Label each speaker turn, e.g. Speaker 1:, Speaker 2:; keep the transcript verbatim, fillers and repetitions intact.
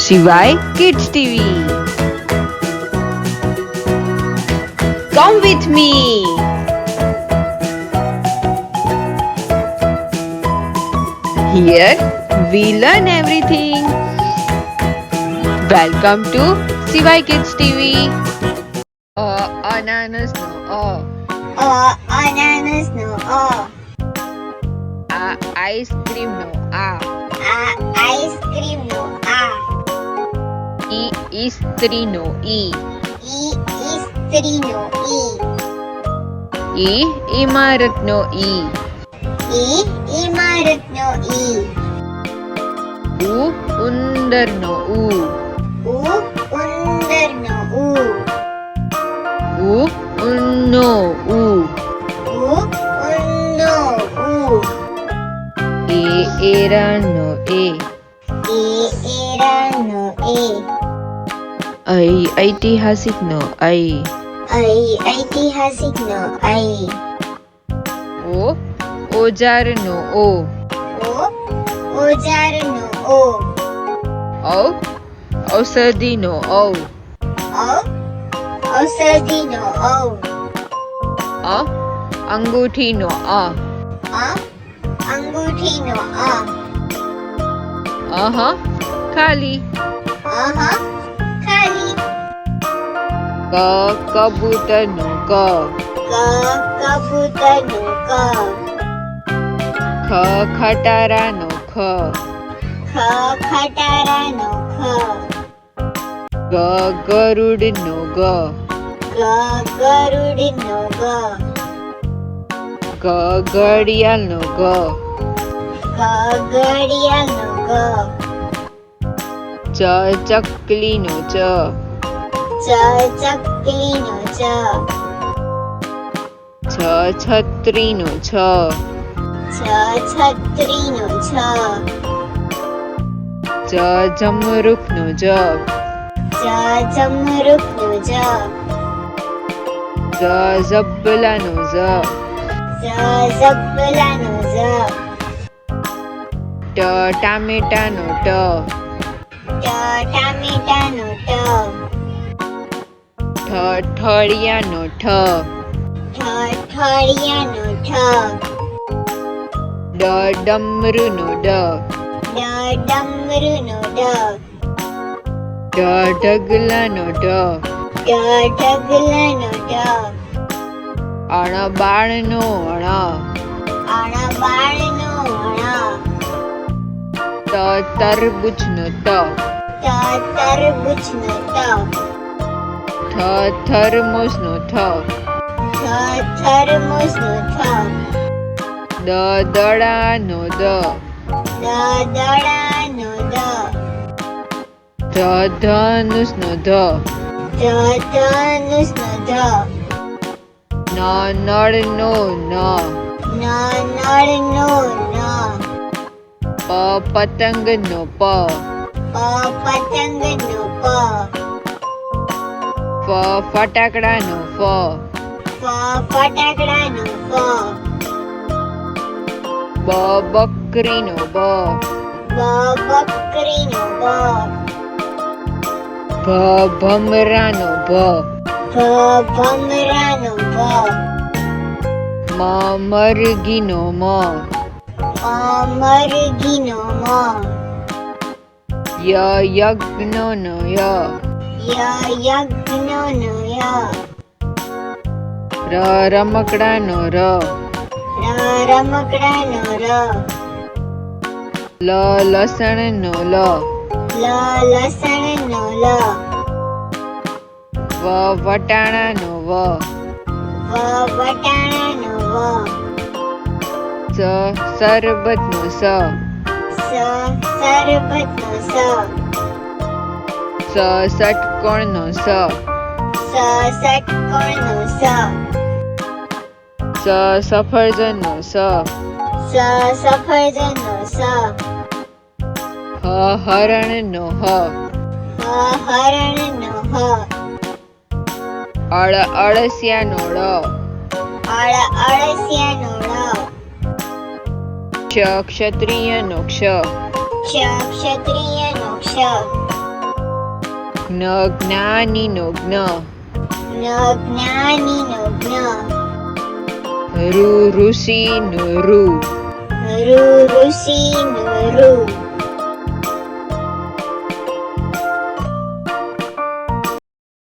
Speaker 1: Shivai Kids T V. Come with me. Here we learn everything. Welcome to Shivai Kids T V. A ananas no a.
Speaker 2: A ananas no a.
Speaker 1: A ice cream no a.
Speaker 2: A ice cream no a.
Speaker 1: E istri no e.
Speaker 2: E istri no e.
Speaker 1: E imarat no e.
Speaker 2: E imarat no e.
Speaker 1: U undar no u.
Speaker 2: U undar no u.
Speaker 1: U unno u.
Speaker 2: U unno u.
Speaker 1: E eran no e.
Speaker 2: E era no e.
Speaker 1: I ऐतिहासिक no I.
Speaker 2: I ऐतिहासिक no I.
Speaker 1: O औजार no o.
Speaker 2: O औजार no o.
Speaker 1: औ औषधि no औ.
Speaker 2: औ औषधि no औ.
Speaker 1: अ अंगूठी no अ.
Speaker 2: अ अंगूठी no अ.
Speaker 1: अह खाली.
Speaker 2: अह खाली.
Speaker 1: क कबूतर no क.
Speaker 2: क कबूतर no क.
Speaker 1: ख खटारा no ख.
Speaker 2: ख खटारा no ख.
Speaker 1: ग गरुड़ no ग.
Speaker 2: ग गरुड़ no ग.
Speaker 1: ग घड़ियाल no ग.
Speaker 2: ग घड़ियाल no ग.
Speaker 1: च चकली no च.
Speaker 2: च चकली no च.
Speaker 1: छ छतरी no छ.
Speaker 2: छ छतरी no छ.
Speaker 1: ज जमरुक no ज.
Speaker 2: ज जमरुक no ज.
Speaker 1: ज जबला no ज.
Speaker 2: ज जबला no ज.
Speaker 1: ट टामेटा no ट.
Speaker 2: ट टामेटा no ट.
Speaker 1: ठ ठड़िया no ठ.
Speaker 2: ठ ठड़िया no ठ.
Speaker 1: ड डमरू no ड.
Speaker 2: ड डमरू no ड.
Speaker 1: ढ ढगला no ढ.
Speaker 2: ड ढगला no ड.
Speaker 1: अण बाळ no अण.
Speaker 2: अण बाळ no अण.
Speaker 1: त तरबूज no त.
Speaker 2: त तरबूज no त.
Speaker 1: थ थर्मोस no थ.
Speaker 2: थ थर्मोस no थ.
Speaker 1: द दड़ा no द.
Speaker 2: द दड़ा no द.
Speaker 1: ध धनुष no ध.
Speaker 2: ध धनुष no ध.
Speaker 1: न नळ no न.
Speaker 2: न नळ no न.
Speaker 1: प पतंग no प.
Speaker 2: प पतंग no प.
Speaker 1: फ फटाकड़ा no फ.
Speaker 2: फ फटाकड़ा no फ.
Speaker 1: ब बकरी no ब.
Speaker 2: ब बकरी no ब.
Speaker 1: भ भमरा no भ.
Speaker 2: भ भमरा no भ.
Speaker 1: म मरगी no म.
Speaker 2: म मरगी no म.
Speaker 1: य यज्ञ no य.
Speaker 2: य यज्ञ no य.
Speaker 1: र रमकड़ा no र.
Speaker 2: र रमकड़ा no र.
Speaker 1: ल लसण no ल.
Speaker 2: ल लसण no ल.
Speaker 1: व वटाणा no व.
Speaker 2: व वटाणा no व.
Speaker 1: स सरबत no स.
Speaker 2: स सरबत no स.
Speaker 1: स षटकोण no स.
Speaker 2: स षटकोण no स.
Speaker 1: स सफरजन no स.
Speaker 2: स सफरजन no स.
Speaker 1: ह हरण no ह.
Speaker 2: ह हरण no ह.
Speaker 1: अळ अळसिया no ळ.
Speaker 2: अळ अळसिया no ळ.
Speaker 1: क्ष क्षत्रिय नो क्ष.
Speaker 2: क्ष क्षत्रिय नो क्ष.
Speaker 1: જ્ઞ જ્ઞાની નો જ્ઞ,
Speaker 2: ન જ્ઞાની નો જ્ઞ,
Speaker 1: ઋ ઋષિ નો ઋ,
Speaker 2: ઋ ઋષિ નો ઋ,